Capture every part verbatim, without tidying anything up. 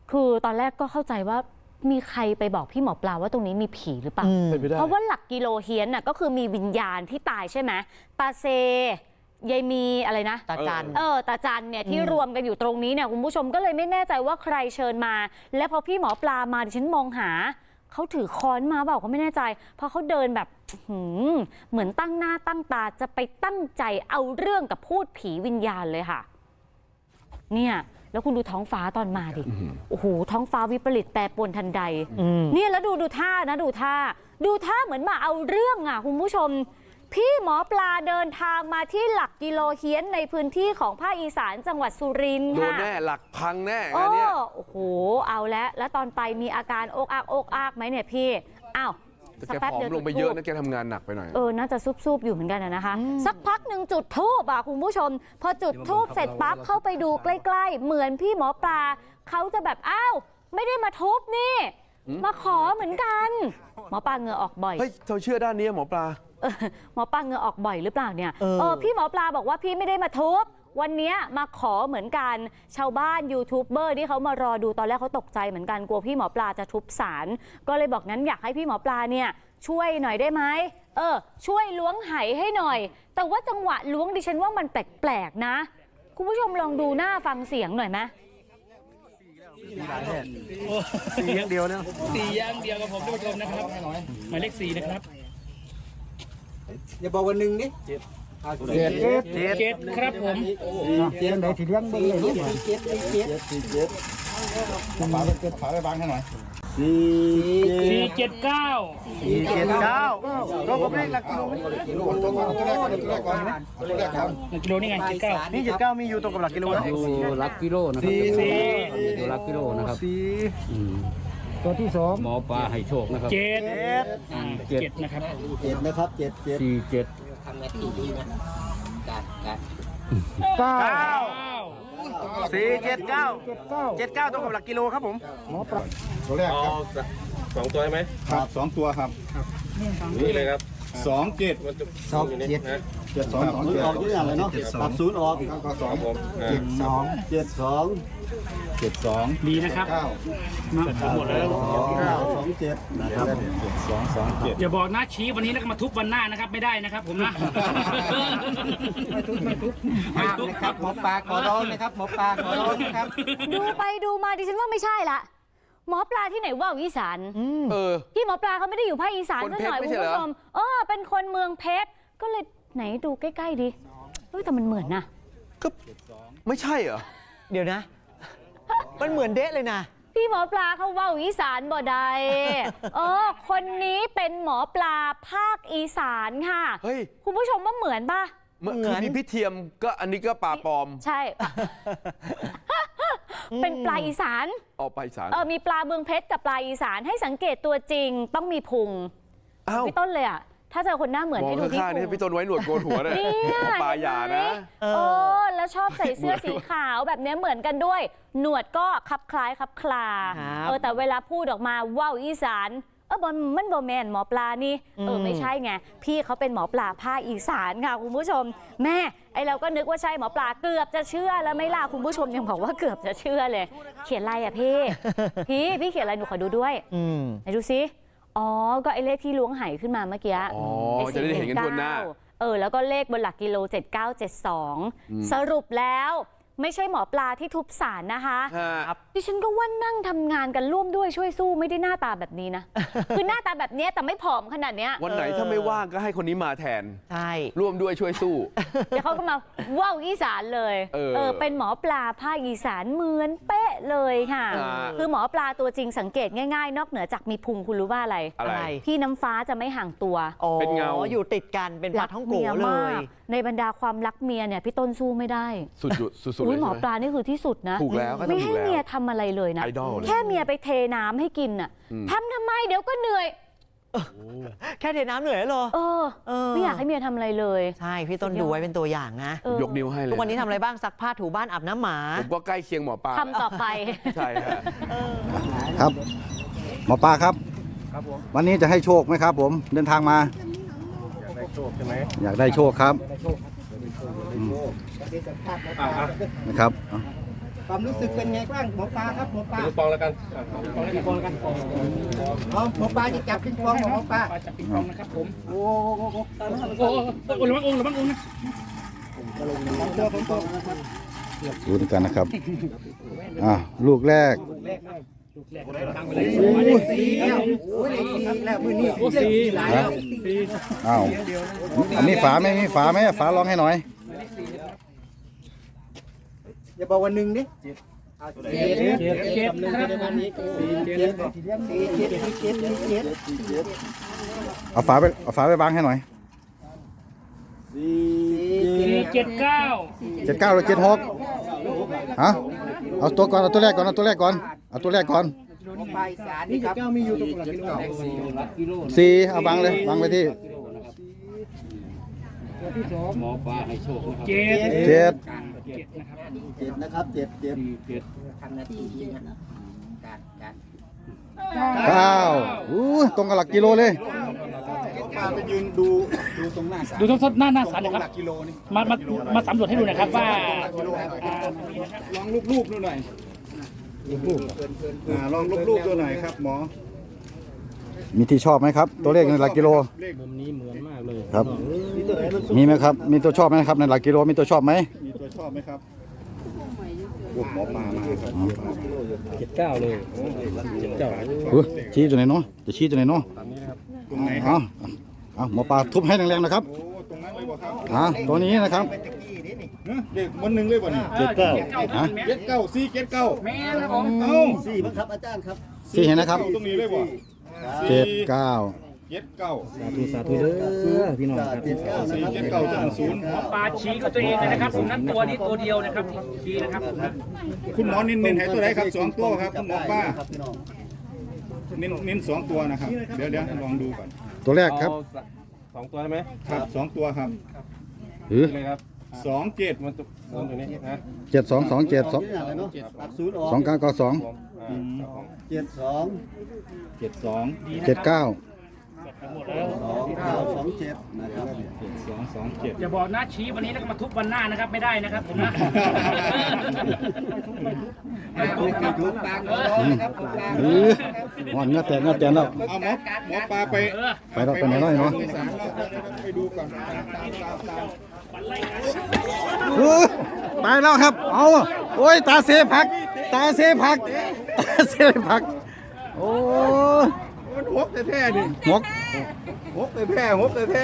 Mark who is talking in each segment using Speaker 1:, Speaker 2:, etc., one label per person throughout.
Speaker 1: คือตอนแรกก็เข้าใจว่ามีใครไปบอกพี่หมอปลาว่าตรงนี้มีผีหรือเปล่าเพราะว่าหลักกิโลเฮียนน่ะก็คือมีวิญญาณที่ตายใช่ไหมตาเซยายมีอะไรนะ
Speaker 2: ตาจัน
Speaker 1: เออตาจันเนี่ยที่รวมกันอยู่ตรงนี้เนี่ยคุณผู้ชมก็เลยไม่แน่ใจว่าใครเชิญมาและพอพี่หมอปลามาดิฉันมองหาเขาถือค้อนมาเปล่าก็ไม่แน่ใจเพราะเขาเดินแบบเหมือนตั้งหน้าตั้งตาจะไปตั้งใจเอาเรื่องกับพูดผีวิญญาณเลยค่ะเนี่ยแล้วคุณดูท้องฟ้าตอนมาดิโอ้โหท้องฟ้าวิปริตแปรปรวนทันใดเนี่ยแล้วดูดูท่านะดูท่าดูท่าเหมือนมาเอาเรื่องอ่ะคุณผู้ชมพี่หมอปลาเดินทางมาที่หลักกิโลเฮียนในพื้นที่ของภาคอีสานจังหวัดสุรินทร์ค่ะ
Speaker 3: โดนแน่หลักพังแน่
Speaker 1: อั
Speaker 3: นนี้
Speaker 1: โอ้โหเอาแล้วแล้วตอนไปมีอาการอกอักอกอักไหมเนี่ยพี่อ้าว
Speaker 3: แกผอมลงไปเยอะนะแกทำงานหนักไปหน่อย
Speaker 1: เออน่าจะซุบๆอยู่เหมือนกันนะคะสักพักหนึ่งจุดธูปอ่ะคุณผู้ชมพอจุดธูปเสร็จปั๊บเข้าไปดูใกล้ๆเหมือนพี่หมอปลาเขาจะแบบอ้าวไม่ได้มาทุบนี่มาขอเหมือนกันหมอปลาเหงื่อออกบ่อย
Speaker 3: เฮ้ยเธอเชื่อด้านนี้หมอปลา
Speaker 1: หมอปลาเหงื่อออกบ่อยหรือเปล่าเนี่ยเออพี่หมอปลาบอกว่าพี่ไม่ได้มาทุบวันนี้มาขอเหมือนกันชาวบ้านยูทูบเบอร์ที่เขามารอดูตอนแรกเขาตกใจเหมือนกันกลัวพี่หมอปลาจะทุบศาลก็เลยบอกนั้นอยากให้พี่หมอปลาเนี่ยช่วยหน่อยได้ไหมเออช่วยล้วงไหให้หน่อยแต่ว่าจังหวะล้วงดิฉันว่ามันแปลกๆนะคุณผู้ชมลองดูหน้าฟังเสียงหน่อยไหม
Speaker 4: สี่อย่างเดียวนะ
Speaker 5: สี่อย่างเดียวกับผมท่านผู้ชมนะครับหมายเลขสี่นะครับ
Speaker 4: อย่าบอกวันหนึ่งนี่เจ็ด
Speaker 5: เจ็ดเจ็ดครับผม
Speaker 4: เจ็ดไหนที่เลี้ยงบ้างเลยเจ็ดเจ็ดเจ็ดเจ็ดฝาเจ็ดฝาไปบางให้หน่อยสี่
Speaker 5: สี่เจ็ดเก้า
Speaker 4: สี่เจ็ดเก้าเราผมเลขหลักกิโลกิโลตัวก่อนตัวแรกก่อนตัวแรกก่อนตัวแรกก่อน
Speaker 5: หลักกิโลนี่ไงเจ็ดเก้า
Speaker 4: นี่เจ็ดเก้ามีอยู่ตรงกับหลักกิโล
Speaker 6: อยู่หลักกิโลนะครับ
Speaker 4: สี่
Speaker 6: อยู่หลักกิโลนะครับ
Speaker 4: สี่ตัวที่สอง
Speaker 6: หมอปลาให้โชคนะครับ
Speaker 5: เจ็ด
Speaker 6: เจ็ด
Speaker 5: นะครับ
Speaker 4: เจ็ดนะครับเจ็ดเจ็ด
Speaker 6: สี่เจ็ด
Speaker 4: ทำนาทีดีนะการการเก้าสี่เจ็ดเก้าเจ็ดเก้าตรงกับหลักกิโลครับผมหมอปลาตัวแรกครับ
Speaker 3: สองตัวใช่ไหม
Speaker 4: ครับสองตัวครับ
Speaker 3: นี่เลยครับ
Speaker 4: สองเจ็ดสองเจ็ดเจ็ดสองสองเจ็ดออกเยอะอย่างเลยเนาะตัดศูนย์ออกก็สองผมเจ็ดสองเจ็ดสองเจ็ดสอง
Speaker 5: ดีนะครับ
Speaker 4: เก้า
Speaker 5: หมดแล้ว
Speaker 4: เก้าสองเจ็ดนะครับเจ็ดสองสองเจ็ด
Speaker 5: อย่าบอกนะชี้วันนี้แล้วก็มาทุบวันหน้านะครับไม่ได้นะครับผมนะ
Speaker 4: ไม่ทุบไม่ทุบไม่ทุบครับหมอปลาขอร้องนะครับหมอปลาขอร้องนะครับ
Speaker 1: ดูไปดูมาดิฉันว่าไม่ใช่ละหมอปลาที่ไหนว่าอีสาน
Speaker 3: เออ
Speaker 1: พี่หมอปลาเขาไม่ได้อยู่ภาคอีสานซะหน่อยคุณผู้ชมเออเป็นคนเมืองเพชรก็เลยไหนดูใกล้ๆดิเฮ้ยแต่มันเหมือนนะ
Speaker 3: ก็ไม่ใช่เหรอ
Speaker 2: เดี๋ยวนะมันเหมือนเด๊ะเลยนะ
Speaker 1: พี่หมอปลาเขาว่าอีสานบ่ได้เออคนนี้เป็นหมอปลาภาคอีสานค่ะ
Speaker 3: เฮ้ย
Speaker 1: คุณผู้ชมว่าเหมือนป่ะ
Speaker 3: เหมือนมีพิเทียมก็อันนี้ก็ปลาปลอม
Speaker 1: ใช่เป็นปลาอีสาน
Speaker 3: ออกปลาอีสาน
Speaker 1: เออมีปลาเมืองเพชรกับปลาอีสานให้สังเกตตัวจริงต้องมีพุงพี่ต้นเลยอ่ะถ้าเจอคนหน้าเหมือนให้ดูที่พุง
Speaker 3: พี่ต้นไว้หนวดโกนหัวเลยปลาหยานะ
Speaker 1: เออแล้วชอบใส่เสื้อสีขาวแบบนี้เหมือนกันด้วยหนวดก็คลับคล้ายคลับคลาเออแต่เวลาพูดออกมาว่าวอีสานเออบอลมันบอแมนหมอปลานี่เออไม่ใช่ไงพี่เขาเป็นหมอปลาภาคอีสานค่ะคุณผู้ชมแม่ไอเราก็นึกว่าใช่หมอปลาเกือบจะเชื่อแล้วไม่ล่ะคุณผู้ชมยังบอกว่าเกือบจะเชื่อเลยเขียนอะไรอ่ะพี่พี่พี่เขียนอะไรหนูขอดูด้วยไหนดูซิอ๋อก็ไอเลขที่ล้วงไหขึ้นมาเมื่อกี้
Speaker 3: อ๋อจะได้เห็นกันทั่วหน้า
Speaker 1: เออแล้วก็เลขบนหลักกิโลเจ็ดเก้าเจ็ดสองสรุปแล้วไม่ใช่หมอปลาที่ทุบศาลนะคะดิฉันก็ว่านั่งทำงานกันร่วมด้วยช่วยสู้ไม่ได้หน้าตาแบบนี้นะคือหน้าตาแบบนี้แต่ไม่ผอมขนาดนี้
Speaker 3: วันไหนถ้าไม่ว่างก็ให้คนนี้มาแทน
Speaker 2: ใช่
Speaker 3: ร่วมด้วยช่วยสู้
Speaker 1: เดี๋ยวเขาก็มาว่าวอีสานเลยเออเป็นหมอปลาภาคอีสานเหมือนเป๊ะเลยค่ะคือหมอปลาตัวจริงสังเกตง่ายๆนอกเหนือจากมีพุงคุณรู้ว่าอะไร
Speaker 3: อะไร
Speaker 1: พี่น้ำฟ้าจะไม่ห่างตัว
Speaker 3: เป็นเงา
Speaker 2: อยู่ติดกันเป็นปลาท้องโกเลย
Speaker 1: ในบรรดาความรักเมียเนี่ยพี่ต้นสู้ไม่ได้
Speaker 3: สุดสุดสุดเลย
Speaker 1: หมอปลานี่คือที่สุดนะ
Speaker 3: ถูกแล้ว
Speaker 1: ไม่ให้เมียทำอะไรเลยนะแค่เมียไปเทน้ำให้กินน่ะทำทำไมเดี๋ยวก็เหนื่อย
Speaker 2: แค่เทน้ำเหนื่อยเหรอ
Speaker 1: เออไม่อยากให้เมียทำอะไรเลย
Speaker 2: ใช่พี่ต้นดูไว้เป็นตัวอย่างนะ
Speaker 3: ยกนิ้วให้เลย
Speaker 2: ทุกวันนี้ทำอะไรบ้างซักผ้าถูบ้านอาบน้ำหมา
Speaker 3: ผมก็ใกล้เคียงหมอปลา
Speaker 1: ทำต่อไป
Speaker 3: ใช่
Speaker 7: ครับหมอปลาครับวันนี้จะให้โชคไหมครับผมเดินทางมา
Speaker 4: อยากได้โชคใช่ไหม
Speaker 7: อยากได้โชคครับนะครับ
Speaker 4: ความรู้สึกเป็นไงบ้างหมอปลาครับหมอปลา
Speaker 5: ปิงปองแล้วกัน
Speaker 4: ปิงปองกันอ๋อหมอปลาจะจับปิงปองของหมอปลา
Speaker 5: จับปิงปองนะครับผม
Speaker 4: โอ้โห
Speaker 5: โอ้โหระวังองค์ระวังองค์นะ
Speaker 4: ตัวผมตัว
Speaker 7: ดูด้วยกันนะครับอ่ะลูกแรก
Speaker 4: โอ้ยสี่แล้วโอ้ยสี่แล้วมือนี้สี่หลายแล้ว
Speaker 7: อ้าวอันนี้ฝาไหมมีฝาไหมฝาลองให้หน่อย
Speaker 4: อย่าบอกว่าหนึ่งดิเจ็ดเจ็ดเจ็ดเจ็ดครับสี่เจ็ดสี่เจ็ดสี่เจ็ดสี่เจ็ด
Speaker 7: เอาฝาไปเอาฝาไปวางให้หน่อย
Speaker 5: สี่เจ็ดเก้า
Speaker 7: เจ็ดเก้าหรือเจ็ดหกฮะเอาตัวก่อนเอาตัวแรกก่อนเอาตัวแรกก่อนเอาตัวแรกก่อน
Speaker 4: หมอปลาอีสานนี่ครับเก้ามีอยู่ตรงหลักกิโล
Speaker 7: สี่เอาวางเลยวางไปที่
Speaker 6: หมอปลาให้โชคนะครับ
Speaker 5: เจ็ด
Speaker 7: เจ็ด
Speaker 5: เจ็ดนะครับ
Speaker 4: เจ็ดนะครับเจ็ดเจ็ด
Speaker 6: เจ็ด
Speaker 4: ทำนาทีนะการการ
Speaker 7: เก้าอู้ตรงกับหลักกิโลเลย
Speaker 4: ปลาไปยืนดูดูตรงหน้าศาล
Speaker 5: ดูทดๆหน้าหน้าสันนะครับ
Speaker 4: หลักกิโลนี่
Speaker 5: มามามาสำรวจให้ดูหนะครับว่า
Speaker 4: ลองรูปๆดูหน่อยรูปๆอ่าลองรูปๆดูหน่อยครับหมอ
Speaker 7: มีที่ชอบไหมครับ ตัวเลขในหลักกิโล
Speaker 6: มุมนี้เหมือนมากเลย
Speaker 7: ครับ มีไหมครับ มีตัวชอบไหมครับในหลักกิโลมีตัวชอบไหม
Speaker 4: มีตัวชอบไหมครับหมอปลามาครับ
Speaker 6: เจ็ดเก้าเลยเจ็ดเก้า
Speaker 7: อุ๊ยชี้ตัวไหนเนาะจะชี้ตัวไหนเนาะ
Speaker 4: ตรงไหนค
Speaker 7: เอา
Speaker 4: รับ
Speaker 7: เอาหมอปลาทุบให้แรงๆนะครับ
Speaker 4: โอ้ตรงนั้นเลยบ่ครับ
Speaker 7: อ่าตัวนี้นะครับ
Speaker 4: เด็กวันหนึ่งเลยบ่นี่
Speaker 7: เจ็ดเก้าฮะ
Speaker 4: เจ็ดเก้าสี่เจ็ดเก้า
Speaker 5: แม่ครับผม
Speaker 4: เอ้า
Speaker 8: สี่มั้งครับอาจารย์ครับ
Speaker 7: สี่เห็นนะครับ
Speaker 4: ตรงนี้เลยบ่
Speaker 7: เจ็ดเก้า
Speaker 4: เจ็ดเก้า
Speaker 6: สาธุสาธุเด้อพี่น้องครับ
Speaker 8: เจ็ดเก้านะ
Speaker 4: สี่
Speaker 8: ครับ
Speaker 4: เจ็ดเก้าจะศูนย์
Speaker 5: ปลาชี้กับตัวเองเลยนะครับผมนั้นตัวนี้ตัวเดียวนะครับชี้นะครับผมนะ
Speaker 4: คุณหมอเน้นเน้นให้ตัวไหนครับสองตัวครับคุณหมอป้า
Speaker 8: ครับพี่น้อง
Speaker 4: เน้นเน้นสองตัวนะครับเดี๋ยวเดี๋ยวลองดูก่อน
Speaker 7: ตัวแรกครับ
Speaker 6: สองตัวใช่ไหม
Speaker 4: ครับสองตัวครับ
Speaker 7: หรือ
Speaker 6: เลยครับ
Speaker 4: สองเจ็ด
Speaker 6: มันตัวอยู่นี่นะ
Speaker 7: เจ็ดสองสองเจ็ดสอง
Speaker 8: นี่อะไรเนาะตัดศูนย์ออก
Speaker 7: สองเก้าเก้าสอง
Speaker 8: เจ็ดสอง
Speaker 4: เจ็ดสอง
Speaker 7: เจ็ดเก้า
Speaker 8: สองเก้าสองเจ็ดนะครับ
Speaker 4: เจ็ดสองสองเจ็ด
Speaker 5: อย่าบอกนะชี้วันนี้แล้วก็มาทุบวันหน้านะครับไม่ได้นะครับผมนะ
Speaker 4: ทุกปากนะครับ
Speaker 7: หรืออ่อนเงาแตกเงาแตกแล้ว
Speaker 4: เอาหมอหมอปลาไป
Speaker 7: ไปแล้วไปไหนแล้วเนาะ
Speaker 4: ไปศาลแล้วไปดูก่อนตามตามตามตาม
Speaker 7: เออตายแล้วครับ เอาโอ้ยตาเสผัก ตาเสผัก ตาเสผัก โอ้ย
Speaker 4: มันหกแท้ๆดิ
Speaker 7: หมก
Speaker 4: หกแท้ๆหกแท้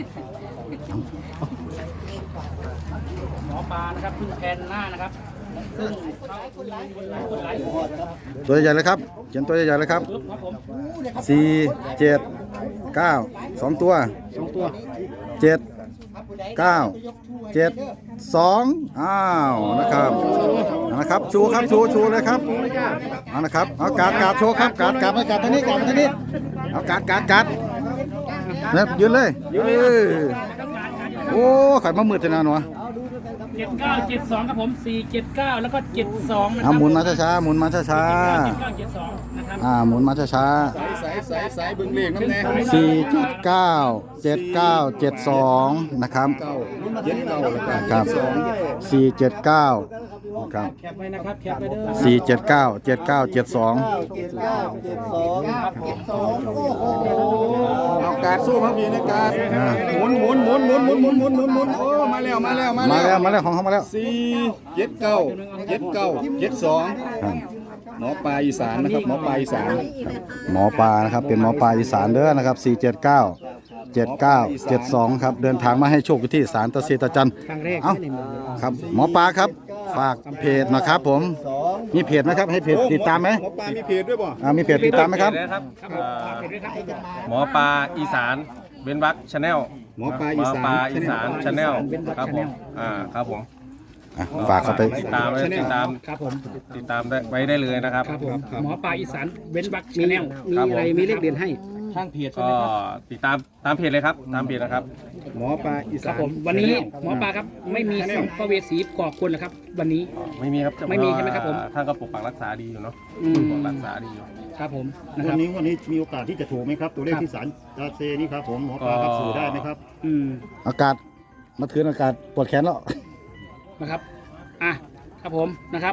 Speaker 5: หมอปลานะครับเพึ่งแทนหน้านะครับซึ่งเขาคนร้ายคนร้ายคนร้าย
Speaker 7: ตัวใหญ่ๆเลยครับ เขียนตัวใหญ่ๆเลยครับ
Speaker 5: ปึ๊บครับผม
Speaker 7: สี่เจ็ดเก้าสองตัวสองตัวเจ็ดเก้าเจ็ดสองอ้าวนะครับนะครับชูครับชูชูเลยครับเอานะครับเอาการการโชว์ครับการการมาการทางนี้การทางนี้เอาการการการเนี่ยยืนเลยยืนโอ้ขันมามืดจะนานวะ
Speaker 5: เจ็ดเก้าเจ็ดสองครับผมสี่เจ็ดเก้าแล้วก็เจ็ดสองนะค
Speaker 7: เอา
Speaker 5: รับ
Speaker 7: หมุนมาช้าๆหมุนมาช้า
Speaker 5: เจ็ดเก้าเจ็ดสองนะครับ
Speaker 7: ๆอ่าหมุนมาช้า
Speaker 4: ๆสายสายสายสายเบิ่งเลขน้ำแน่
Speaker 7: ๆสี่เจ็ดเก้าเจ็ดเก้าเจ็ดสองนะครับ
Speaker 4: เก้าเจ็ดเก้าแล้วกัน
Speaker 7: ครับ
Speaker 4: สอง
Speaker 7: สี่เจ็ดเก้าครับ
Speaker 5: แคปไว้นะครับแคปไว้เด้อ
Speaker 7: สี่เจ็ดเก้าเจ็ดเก้าเจ็ดสอง
Speaker 8: เจ็ดเก้าเจ็ดสองเจ็ดสองโอ้โห
Speaker 4: เอาการสู้ครับพี่นะการหมุนหมุนหมุนหมุนหมุนหมุนหมุนหมุนหมุนโอ้มาแล้วมาแล้วมา
Speaker 7: มา
Speaker 4: แล้
Speaker 7: แล้ว วมาแล้วของเขามาแล้ว
Speaker 4: สี่เจ็ดเก้าเจ็ดเก้าเจ็ดสอง
Speaker 7: ครับ
Speaker 4: หมอปลาอีสานนะครับหมอปลาอีสาน
Speaker 7: หมอปลานะครับเป็นหมอปลาอีสานเด้อนะครับสี่เจ็ดเก้าเจ็ดเก้าเจ็ดสองครับเดินทางมาให้โชคอยู่ที่ศาลตะเซตะจันเอ้าครับหมอปลาครับฝากเพจนะครับผมมีเพจไหมครับให้เพจติดตามไหม
Speaker 4: หมอปลามีเพจด้วยป่ะ
Speaker 7: อ่ามีเพจติดตามไหมครับ
Speaker 9: นะครับเอ่อหมอปลาอีสานเบนวักชาแนล
Speaker 4: หมอปลา
Speaker 9: หม
Speaker 4: อี
Speaker 9: อ
Speaker 4: สาน
Speaker 9: ปลาอีสานชาแนลครับผมอ่าครับผม
Speaker 7: อ่ะฝากเข้าไป
Speaker 9: ติดตามไว้ติดตาม
Speaker 5: ครับผม
Speaker 9: ติดตามได้ไว้ได้เลยนะครับ
Speaker 5: ครับผมหมอปลาอีสานเว้นวักชาแนล
Speaker 9: มีอะไรมีเลขเด่นให้
Speaker 5: ทางเพจ
Speaker 9: ก็ติดตามตามเพจเลยครับตามเพจนะครับ
Speaker 4: หมอปลาอี
Speaker 5: ค
Speaker 4: สา
Speaker 5: รับ
Speaker 4: น
Speaker 5: ผมวันนี้หมอปลาครับไม่มีสิ่งพระเวสีก่อคนนะครับ วันนี้
Speaker 9: ไม่มีครับ
Speaker 5: ไม่มีใช่ไหมครับผม
Speaker 9: ท่านก็ปกปักรักษาดีอยู่เนาะ
Speaker 5: อืม
Speaker 9: ปกปักรักษาดีอยู่
Speaker 5: ครับผมนะค
Speaker 8: วั
Speaker 5: รั
Speaker 8: น
Speaker 5: บ
Speaker 8: นี้วันนี้มีโอกาสที่จะถูกไหมครับ ตัวเลขที่ศาลตาเซนี่ครับผมหมอปลาครับสื่อได้ไหมครับ
Speaker 5: อืม
Speaker 7: อากาศเมื่อคืนอากาศปวดแขนแล้ว
Speaker 5: นะครับอ่ะครับผมนะครับ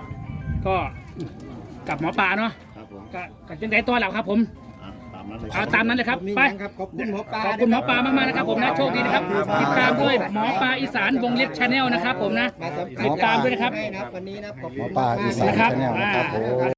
Speaker 5: ก็กับหมอปลาเนาะ
Speaker 8: ครับผม
Speaker 5: ก็ก็จังไดตัวเราครับผม
Speaker 8: อ่ะตามนั้นเลย
Speaker 5: เอาตามนั้นเลยครับไป
Speaker 6: ขอบคุณหมอปลา
Speaker 5: ขอบคุณหมอปลามากๆนะครับผมนะโชคดีนะครับติดตามด้วยหมอปลาอีสานวงเล็บชาแนลนะครับผมนะติดตามด้วยนะครับ
Speaker 7: หมอปลาอีสานชาแนลนะครับผม